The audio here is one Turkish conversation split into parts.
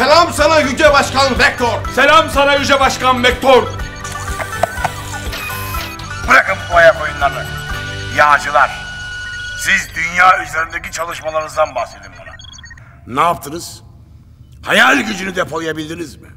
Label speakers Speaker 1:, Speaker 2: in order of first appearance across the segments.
Speaker 1: Selam sana Yüce Başkan Vektor.
Speaker 2: Selam sana Yüce Başkan Vektor.
Speaker 3: Bırakın bu ayak oyunlarını. Yağcılar, siz dünya üzerindeki çalışmalarınızdan bahsedin bana. Ne yaptınız? Hayal gücünü depolayabildiniz mi?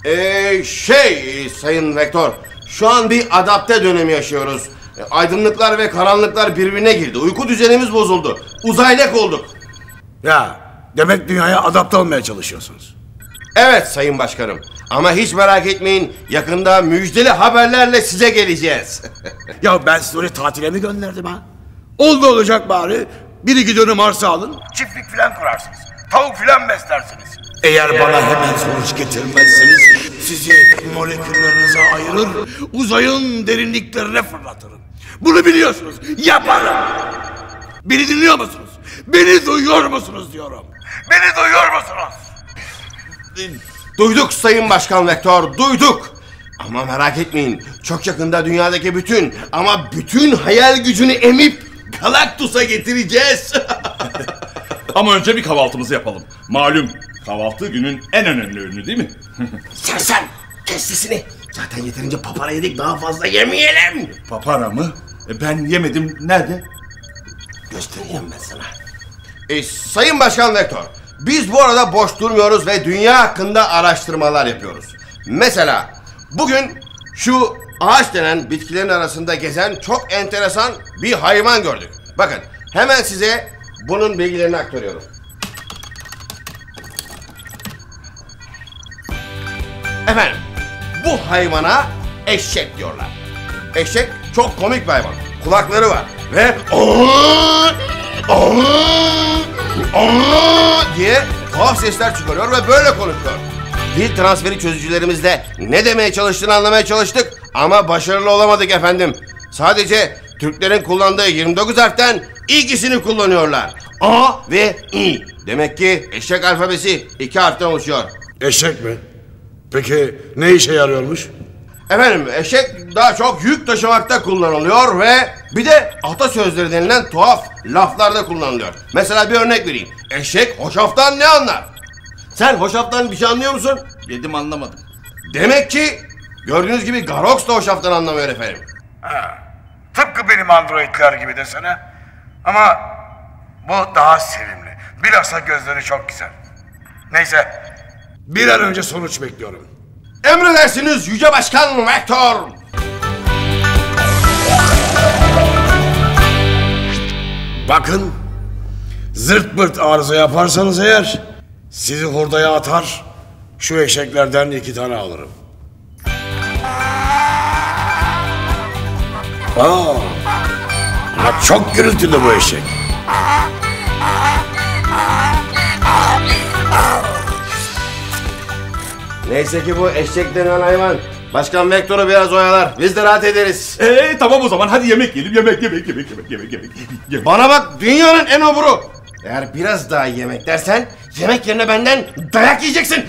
Speaker 1: Sayın Vektör, şu an bir adapte dönemi yaşıyoruz. Aydınlıklar ve karanlıklar birbirine girdi. Uyku düzenimiz bozuldu. Uzaylak olduk.
Speaker 3: Ya, demek dünyaya adapte olmaya çalışıyorsunuz.
Speaker 1: Evet Sayın Başkanım. Ama hiç merak etmeyin. Yakında müjdeli haberlerle size geleceğiz.
Speaker 3: Ya ben sizi oraya tatile mi gönderdim ha? Oldu olacak bari. Bir iki dönüm arsa alın. Çiftlik filan kurarsınız. Tavuk filan beslersiniz. Eğer bana hemen sonuç getirmezseniz sizi moleküllerinize ayırır, uzayın derinliklerine fırlatırım. Bunu biliyorsunuz. Yaparım. Beni dinliyor musunuz? Beni duyuyor musunuz diyorum. Beni duyuyor musunuz?
Speaker 1: Duyduk Sayın Başkan Vektör, duyduk. Ama merak etmeyin. Çok yakında dünyadaki bütün hayal gücünü emip Galactus'a getireceğiz.
Speaker 2: Ama önce bir kahvaltımızı yapalım. Malum kahvaltı günün en önemli ürünü değil mi?
Speaker 1: Sen kes sesini. Zaten yeterince papara yedik, daha fazla yemeyelim.
Speaker 2: Papara mı? Ben yemedim. Nerede?
Speaker 1: Göstereyim ben sana. Sayın Başkan Vektör, biz bu arada boş durmuyoruz ve dünya hakkında araştırmalar yapıyoruz. Mesela bugün şu ağaç denen bitkilerin arasında gezen çok enteresan bir hayvan gördük. Bakın hemen size bunun bilgilerini aktarıyorum. Efendim, bu hayvana eşek diyorlar. Eşek çok komik bir hayvan. Kulakları var ve diye tuhaf sesler çıkarıyor ve böyle konuşuyor. Dil transferi çözücülerimizle ne demeye çalıştığını anlamaya çalıştık ama başarılı olamadık efendim. Sadece Türklerin kullandığı 29 harften ikisini kullanıyorlar. A ve İ. Demek ki eşek alfabesi 2 harften oluşuyor.
Speaker 3: Eşek mi? Peki ne işe yarıyormuş?
Speaker 1: Efendim, eşek daha çok yük taşımakta kullanılıyor ve bir de atasözleri denilen tuhaf laflarda kullanılıyor. Mesela bir örnek vereyim. Eşek hoşaftan ne anlar? Sen hoşaftan bir şey anlıyor musun?
Speaker 2: Yedim, anlamadım.
Speaker 1: Demek ki gördüğünüz gibi Garox da hoşaftan anlamıyor efendim.
Speaker 3: Ha, tıpkı benim androidler gibi desene. Ama bu daha sevimli. Bilhassa gözleri çok güzel. Neyse, bir an önce sonuç bekliyorum.
Speaker 1: Emredersiniz Yüce Başkan Vektör.
Speaker 3: Bakın, zırt pırt arıza yaparsanız eğer sizi hurdaya atar, şu eşeklerden 2 tane alırım. Ama çok gürültülü bu eşek.
Speaker 1: Neyse ki bu eşek denen hayvan Başkan Vektör'ü biraz oyalar. Biz de rahat ederiz.
Speaker 2: Tamam o zaman hadi yemek yiyelim. Yemek.
Speaker 1: Bana bak, dünyanın en oburu. Eğer biraz daha yemek dersen yemek yerine benden dayak yiyeceksin.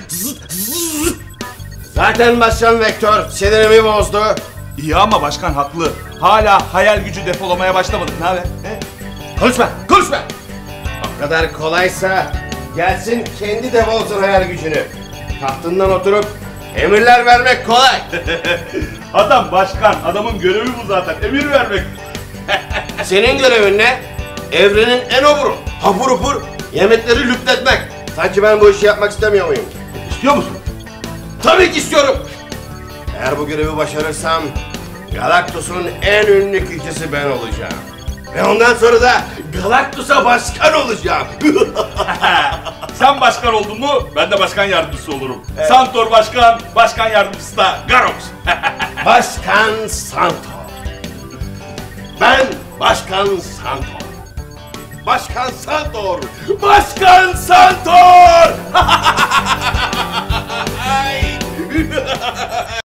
Speaker 1: Zaten Başkan Vektör sinirimi bozdu.
Speaker 2: İyi ama başkan haklı. Hala hayal gücü depolamaya başlamadık. Ne haber?
Speaker 1: Konuşma. O kadar kolaysa gelsin kendi defolsun hayal gücünü. Tahtından oturup emirler vermek kolay.
Speaker 2: Adam başkan. Adamın görevi bu zaten. Emir vermek.
Speaker 1: Senin görevin ne? Evrenin en oburu. Hapur hapur yemekleri lüpletmek. Sanki ben bu işi yapmak istemiyor muyum?
Speaker 2: İstiyor musun?
Speaker 1: Tabii ki istiyorum. Eğer bu görevi başarırsam Galactus'un en ünlü kişisi ben olacağım. Ve ondan sonra da Galactus'a başkan olacağım.
Speaker 2: Sen başkan oldun mu ben de başkan yardımcısı olurum. Evet. Santor başkan, başkan yardımcısı da Garox.
Speaker 1: Başkan Santor. Ben Başkan Santor. Başkan Santor. Başkan Santor.